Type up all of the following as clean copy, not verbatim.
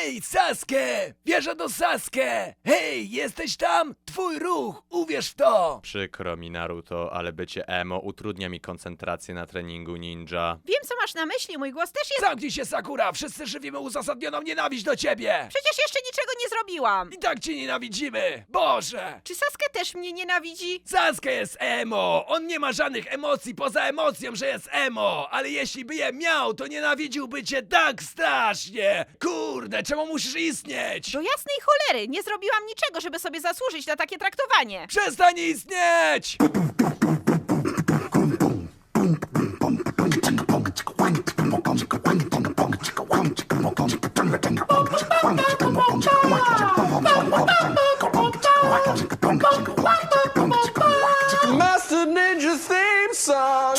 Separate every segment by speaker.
Speaker 1: Hej, Sasuke! Wierzę do Sasuke! Hej, jesteś tam? Twój ruch, uwierz w to!
Speaker 2: Przykro mi, Naruto, ale bycie emo utrudnia mi koncentrację na treningu ninja.
Speaker 3: Wiem, co masz na myśli, mój głos też jest...
Speaker 1: Zamknij się, Sakura! Wszyscy żywimy uzasadnioną nienawiść do ciebie!
Speaker 3: Przecież jeszcze niczego nie zrobiłam!
Speaker 1: I tak cię nienawidzimy! Boże!
Speaker 3: Czy Sasuke też mnie nienawidzi?
Speaker 1: Sasuke jest emo! On nie ma żadnych emocji poza emocją, że jest emo! Ale jeśli by je miał, to nienawidziłby cię tak strasznie! Kurde, czemu musisz istnieć?
Speaker 3: Do jasnej cholery, nie zrobiłam niczego, żeby sobie zasłużyć na takie traktowanie.
Speaker 1: Przestań istnieć!
Speaker 4: Master Ninja theme song.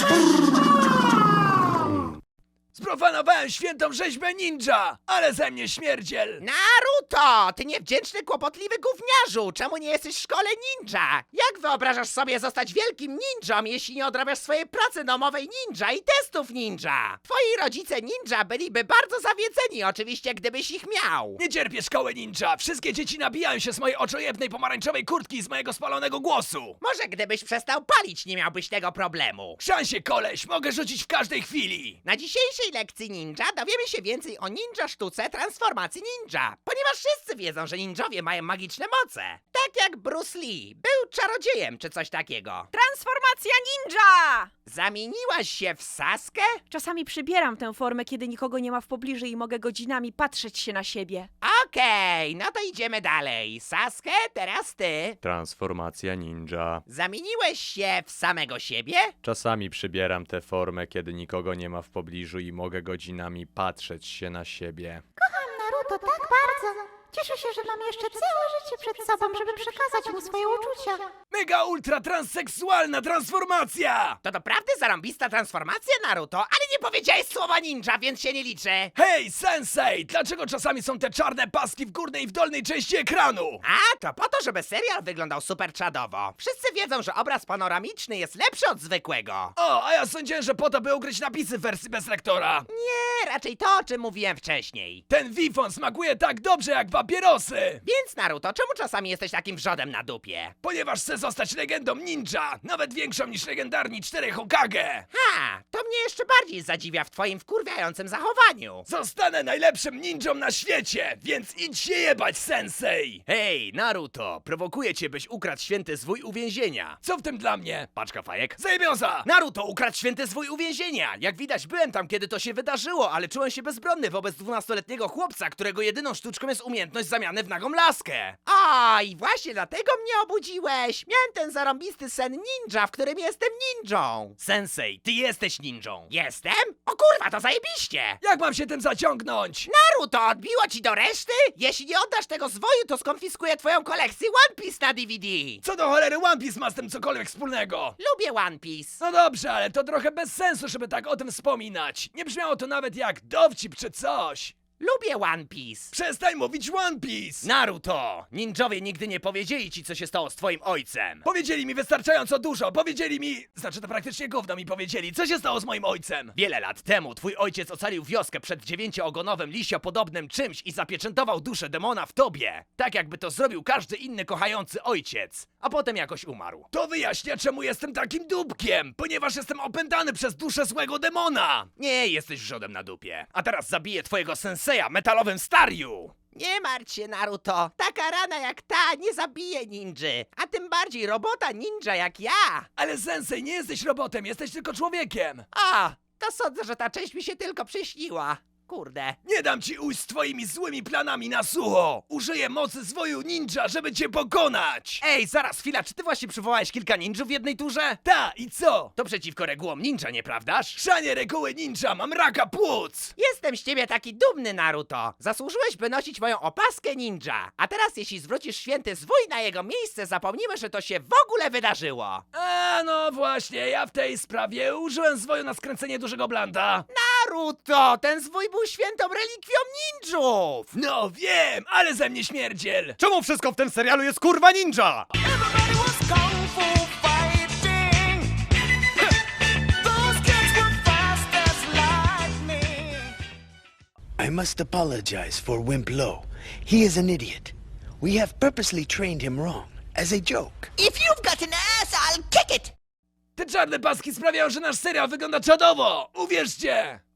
Speaker 1: Sprofanowałem świętą rzeźbę ninja, ale ze mnie śmierdziel!
Speaker 5: Naruto! Ty niewdzięczny, kłopotliwy gówniarzu! Czemu nie jesteś w szkole ninja? Jak wyobrażasz sobie zostać wielkim ninją, jeśli nie odrabiasz swojej pracy domowej ninja i testów ninja? Twoi rodzice ninja byliby bardzo zawiedzeni, oczywiście, gdybyś ich miał.
Speaker 1: Nie cierpię szkoły ninja! Wszystkie dzieci nabijają się z mojej oczojebnej pomarańczowej kurtki i z mojego spalonego głosu!
Speaker 5: Może gdybyś przestał palić, nie miałbyś tego problemu.
Speaker 1: Szansie, koleś, mogę rzucić w każdej chwili!
Speaker 5: Na dzisiejszej lekcji ninja dowiemy się więcej o ninja sztuce transformacji ninja, ponieważ wszyscy wiedzą, że ninjowie mają magiczne moce. Tak jak Bruce Lee, był czarodziejem czy coś takiego.
Speaker 3: Transformacja ninja!
Speaker 5: Zamieniłaś się w Saskę?
Speaker 3: Czasami przybieram tę formę, kiedy nikogo nie ma w pobliżu i mogę godzinami patrzeć się na siebie.
Speaker 5: Okej, no to idziemy dalej. Saskę, teraz ty.
Speaker 2: Transformacja ninja.
Speaker 5: Zamieniłeś się w samego siebie?
Speaker 2: Czasami przybieram tę formę, kiedy nikogo nie ma w pobliżu i mogę godzinami patrzeć się na siebie.
Speaker 6: Naruto tak bardzo. Cieszę się, że mam jeszcze całe życie przed sobą, żeby przekazać mu swoje uczucia.
Speaker 1: Mega ultra transseksualna transformacja!
Speaker 5: To doprawdy zarąbista transformacja, Naruto, ale nie powiedziałeś słowa ninja, więc się nie liczy.
Speaker 1: Hej, sensei! Dlaczego czasami są te czarne paski w górnej i w dolnej części ekranu?
Speaker 5: A, to po to, żeby serial wyglądał super czadowo. Wszyscy wiedzą, że obraz panoramiczny jest lepszy od zwykłego.
Speaker 1: O, a ja sądziłem, że po to, by ukryć napisy w wersji bez lektora.
Speaker 5: Nie, raczej to, o czym mówiłem wcześniej.
Speaker 1: Ten wifon smakuje tak dobrze jak papierosy!
Speaker 5: Więc, Naruto, czemu czasami jesteś takim wrzodem na dupie?
Speaker 1: Ponieważ chcę zostać legendą ninja, nawet większą niż legendarni 4 Hokage!
Speaker 5: Ha, to mnie jeszcze bardziej zadziwia w twoim wkurwiającym zachowaniu.
Speaker 1: Zostanę najlepszym ninją na świecie, więc idź się jebać, sensei!
Speaker 7: Hej, Naruto, prowokuję cię, byś ukradł święty zwój uwięzienia.
Speaker 1: Co w tym dla mnie?
Speaker 7: Paczka fajek.
Speaker 1: Zajebioza!
Speaker 7: Naruto ukradł święty zwój uwięzienia! Jak widać, byłem tam, kiedy to się wydarzyło, ale czułem się bezbronny wobec 12-letniego chłopca, którego jedyną sztuczką jest umiejętność zamiany w nagą laskę.
Speaker 5: Oj, właśnie dlatego mnie obudziłeś. Miałem ten zarąbisty sen ninja, w którym jestem ninją.
Speaker 7: Sensei, ty jesteś ninją.
Speaker 5: Jestem? O kurwa, to zajebiście!
Speaker 1: Jak mam się tym zaciągnąć?
Speaker 5: Naruto, odbiło ci do reszty? Jeśli nie oddasz tego zwoju, to skonfiskuję twoją kolekcję One Piece na DVD.
Speaker 1: Co do cholery One Piece ma z tym cokolwiek wspólnego?
Speaker 5: Lubię One Piece.
Speaker 1: No dobrze, ale to trochę bez sensu, żeby tak o tym wspominać. Nie brzmiało to nawet jak dowcip czy coś.
Speaker 5: Lubię One Piece.
Speaker 1: Przestań mówić One Piece!
Speaker 7: Naruto, ninjowie nigdy nie powiedzieli ci, co się stało z twoim ojcem.
Speaker 1: Powiedzieli mi wystarczająco dużo, powiedzieli mi... Znaczy to praktycznie gówno mi powiedzieli, co się stało z moim ojcem?
Speaker 7: Wiele lat temu twój ojciec ocalił wioskę przed 9-ogonowym liściopodobnym czymś i zapieczętował duszę demona w tobie. Tak jakby to zrobił każdy inny kochający ojciec. A potem jakoś umarł.
Speaker 1: To wyjaśnia, czemu jestem takim dupkiem, ponieważ jestem opętany przez duszę złego demona!
Speaker 7: Nie jesteś wrzodem na dupie. A teraz zabiję twojego senseja metalowym stariu.
Speaker 5: Nie martw się, Naruto. Taka rana jak ta nie zabije ninży. A tym bardziej robota ninja jak ja.
Speaker 1: Ale sensei, nie jesteś robotem, jesteś tylko człowiekiem!
Speaker 5: A, to sądzę, że ta część mi się tylko przyśniła. Kurde.
Speaker 1: Nie dam ci ujść z twoimi złymi planami na sucho! Użyję mocy zwoju ninja, żeby cię pokonać!
Speaker 7: Ej, zaraz, chwila, czy ty właśnie przywołałeś kilka ninjów w jednej turze?
Speaker 1: Ta, i co?
Speaker 7: To przeciwko regułom ninja, nieprawdaż?
Speaker 1: Szanie reguły ninja, mam raka płuc!
Speaker 5: Jestem z ciebie taki dumny, Naruto. Zasłużyłeś, by nosić moją opaskę ninja. A teraz, jeśli zwrócisz święty zwój na jego miejsce, zapomnimy, że to się w ogóle wydarzyło.
Speaker 1: A no właśnie, ja w tej sprawie użyłem zwoju na skręcenie dużego blanda.
Speaker 5: Naruto, ten zwój był świętą relikwią ninjów.
Speaker 1: No wiem, ale ze mnie śmierdziel!
Speaker 7: Czemu wszystko w tym serialu jest kurwa ninja?
Speaker 4: I
Speaker 8: I must apologize for Wimp Lo. He is an idiot. We have purposely trained him wrong, as a joke.
Speaker 9: If you've got an ass, I'll kick it!
Speaker 1: Te czarne paski sprawiają, że nasz serial wygląda czadowo! Uwierzcie!